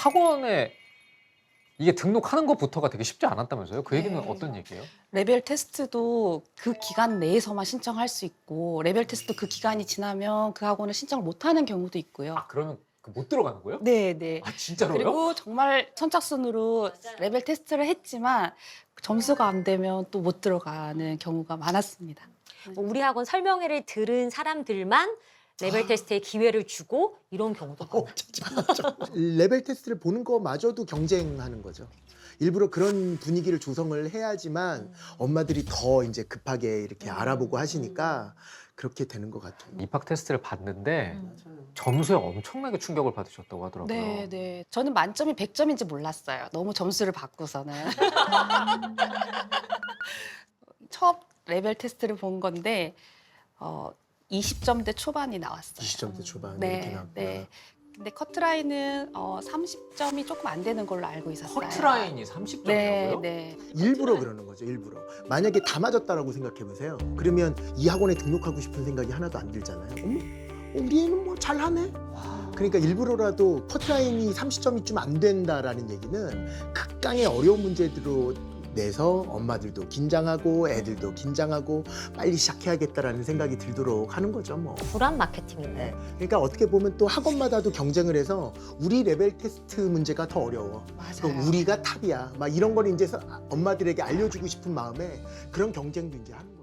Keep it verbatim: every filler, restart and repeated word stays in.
학원에 이게 등록하는 것부터가 되게 쉽지 않았다면서요? 그 얘기는 네. 어떤 얘기예요? 레벨 테스트도 그 기간 내에서만 신청할 수 있고 레벨 테스트 그 기간이 지나면 그 학원을 신청을 못하는 경우도 있고요. 아 그러면 그 못 들어가는 거예요? 네, 네. 아 진짜로요? 그리고 정말 선착순으로 레벨 테스트를 했지만 점수가 안 되면 또 못 들어가는 경우가 많았습니다. 뭐 우리 학원 설명회를 들은 사람들만 레벨 테스트에 기회를 주고 이런 경우도 어, 많아요. 맞아. 레벨 테스트를 보는 거마저도 경쟁하는 거죠. 일부러 그런 분위기를 조성을 해야지만 엄마들이 더 이제 급하게 이렇게 알아보고 하시니까 그렇게 되는 것 같아요. 입학 테스트를 봤는데 점수에 엄청나게 충격을 받으셨다고 하더라고요. 네, 네. 저는 만점이 백 점인지 몰랐어요. 너무 점수를 받고서는. 첫 레벨 테스트를 본 건데 어, 이십 점대 초반이 나왔어요. 이십 점대 초반 네, 이렇게 나왔구나. 네. 근데 커트라인은 어, 삼십 점이 조금 안 되는 걸로 알고 있었어요. 커트라인이 삼십 네, 점이라고요? 네. 일부러 그러는 거죠, 일부러. 만약에 다 맞았다라고 생각해 보세요. 그러면 이 학원에 등록하고 싶은 생각이 하나도 안 들잖아요. 어머, 우리 애는 뭐 잘하네. 그러니까 일부러라도 커트라인이 삼십 점이 좀 안 된다라는 얘기는 극강의 어려운 문제들로 내서 엄마들도 긴장하고 애들도 긴장하고 빨리 시작해야겠다라는 생각이 들도록 하는 거죠, 뭐. 불안 마케팅이네. 그러니까 어떻게 보면 또 학원마다도 경쟁을 해서 우리 레벨 테스트 문제가 더 어려워. 또 맞아요. 우리가 탑이야. 막 이런 걸 이제 서- 엄마들에게 알려주고 싶은 마음에 그런 경쟁도 이제 하는 거예요.